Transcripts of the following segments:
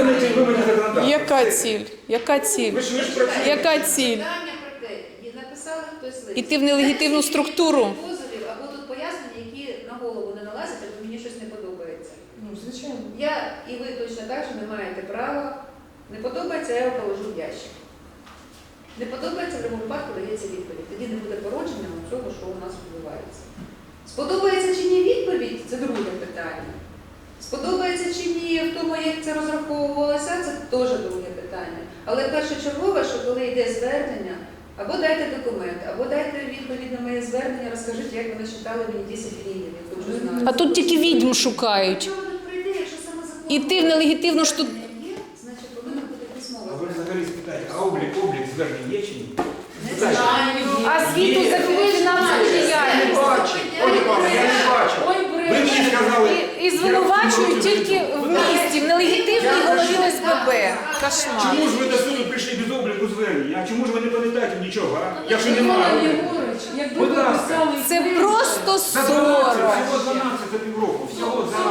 виконайте вимоги законодавства. Яка ціль? Яка ціль? Ви ж працюєте. Яка ціль? Питання про те, і написали хтось лист. Іти в нелегітимну структуру. Позовів, або тут пояснення, які на голову не налазять, або мені щось не подобається. Ну, звичайно. Я і ви точно так же не маєте права. Не подобається, я його положу в ящик. Не подобається, в будь-якому випадку дається відповідь. Тоді не буде породження цього, що у нас відбувається. Сподобається чи ні відповідь, це друге питання. Сподобається чи ні в тому, як це розраховувалося, це теж друге питання. Але першочергове, що коли йде звернення, або дайте документ, або дайте відповідь на моє звернення, розкажіть, як вони читали мені 10 гривень, я дуже знаю. А тут тільки відьм шукають. Що вони прийде, якщо саме закон? Іти в нелегітимну штуку. Значить, повинна бути письмова. А ви взагалі спитаєте, а облік звернень є чи ні? Не знаю. А звіту за фінансову діяльність. Ой, мама, я не бачу. Ви мені сказали... І звинувачують тільки в місті, в нелегітимній голові ОСББ. Кошмар. Чому ж ви до суду прийшли без обліку звернень? А чому ж ви не пам'ятаєте нічого, а? Якщо немає. Якби Будь ви ласка. писали... Це просто За 12, сором. всього 12 за півроку. Всього за...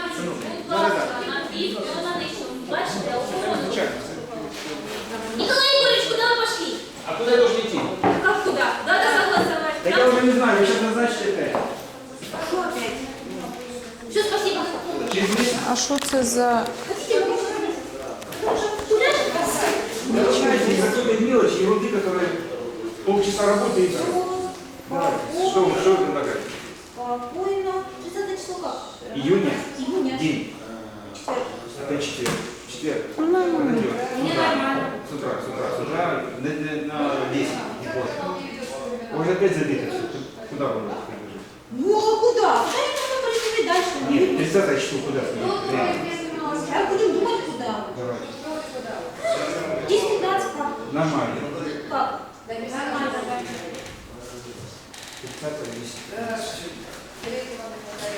Бачите, охорона. Звичайно. Николай Егорович, куда вы пошли? А куди я должен йти? Как куда? Надо согласовать. Так я вже не знаю, ви зараз назначите те. Что опять? Все, спасибо. Через місяць. А що це за... Хотите, куда же? Начинайте из-за какой-то мелочи, ерунды, которая полчаса работы и все. Давай, что вы предлагаете? Спокойно. 30 число как? Июня? Июня. День. Четверг. Это четверг. Четверг. Нормально. Подойдет. Мне нормально. С утра, на 10. не поздно. Уже опять забито все. Куда вы предложите? Ну, а куда? Куда я буду происходить дальше? Нет, 30 число куда? Я буду думать, куда. Давайте. 10-15 как? Нормально. Как? Нормально. 15 10.